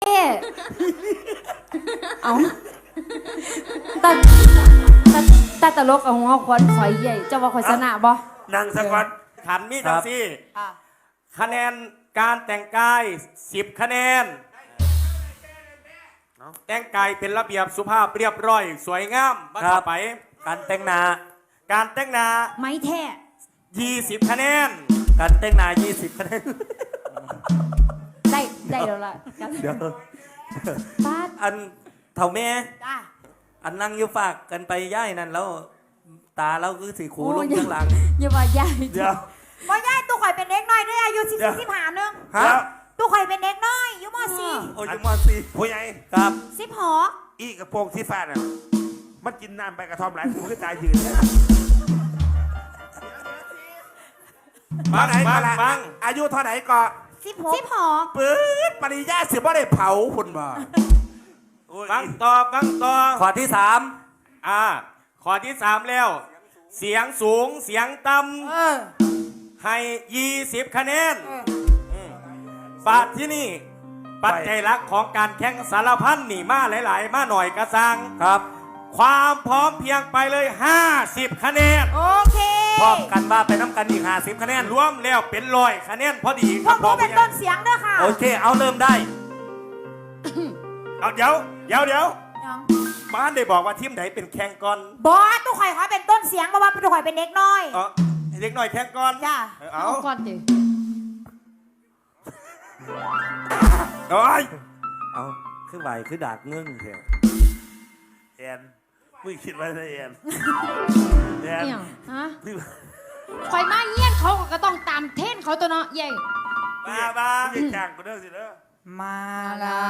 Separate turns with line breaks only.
เอาตาตลกเอาหัวควันข่อยใหญ่เจ้าว่าข่อยชนะบ่
นางสักวัน
ขันมีจังซี่คะแนนการแต่งกาย10 คะแนนแต่งกายเป็นระเบียบสุภาพเรียบร้อยสวยงามบ้านต่อไป
การแต่งหน้า
ไม่แท้
20 คะแนน
การแต่งหน้า20 คะแนน
ได้แล้วล่ะ
เดี๋ยว
ป้า
อันเถ่าแม่
จ้า
อันนั่งอยู่ฝากกันไปย่ายนั่นแล้วตาเราคือสีขูลงข้างหลัง
อย่าว่าย่าย
เดี๋ยว
ว่าย่ายตู้ข่อยเป็นเด็กน้อยด้วยอายุ45นึง
ฮะ
ตู้ข่อยเป็นเด็กน้อยอยู่ม.4
โอ้ยม.4
ผู้ใหญ่
ครับ
16
อีกระโปรงที่ฟ้าน่ะมันกินน้ำไปกระท่อมหลายกูก็ตายยืน
บัง
อายุเท่าไหร่ก็
16
ปื๊ดปริญญาสิบ่ได้เผาคุณบ่
บังต่อ
ข้อที่3
ข้อที่3แล้วเสียงสูงเสียงต่ำให้20 คะแนนปัจที่นี่ปัจจัยหลักของการแข่งสารพันนี่มาหลายๆมาหน่อยกระซัง
ครับ
ความพร้อมเพียงไปเลย50 คะแนน
โอเค
พร้อมกันว่าไปน้ำกันอีก50 คะแนน
รวมแล้วเป็น100 คะแนนพอดี
พวกผมเป็นต้นเสียงด้วยค่ะ
โอเคเอาเริ่มได้
เอาเดี๋ยวบ้านได้บอกว่าทีมไหนเป็นแข่งก่อน
บอสตู้ข่อยเขาเป็นต้นเสียงเพราะว่าตู้ข่อยเป็นเด็กน้อย
เด็กน้อยแข่งก่อน
จ้า
เอา
ก่อนดิ
โอ้ย
เอาคือไหวคือดากเงื่งเถอะ
แอนมึงคิดว่าไงแอน
เนี่ยฮะข่อยมาเยี่ยนเขาก็ต้องตามเท่นเขาตัวเนาะใหญ่
มาไม่ใช่จ้างกูเด้อสิเด้อ
มาลา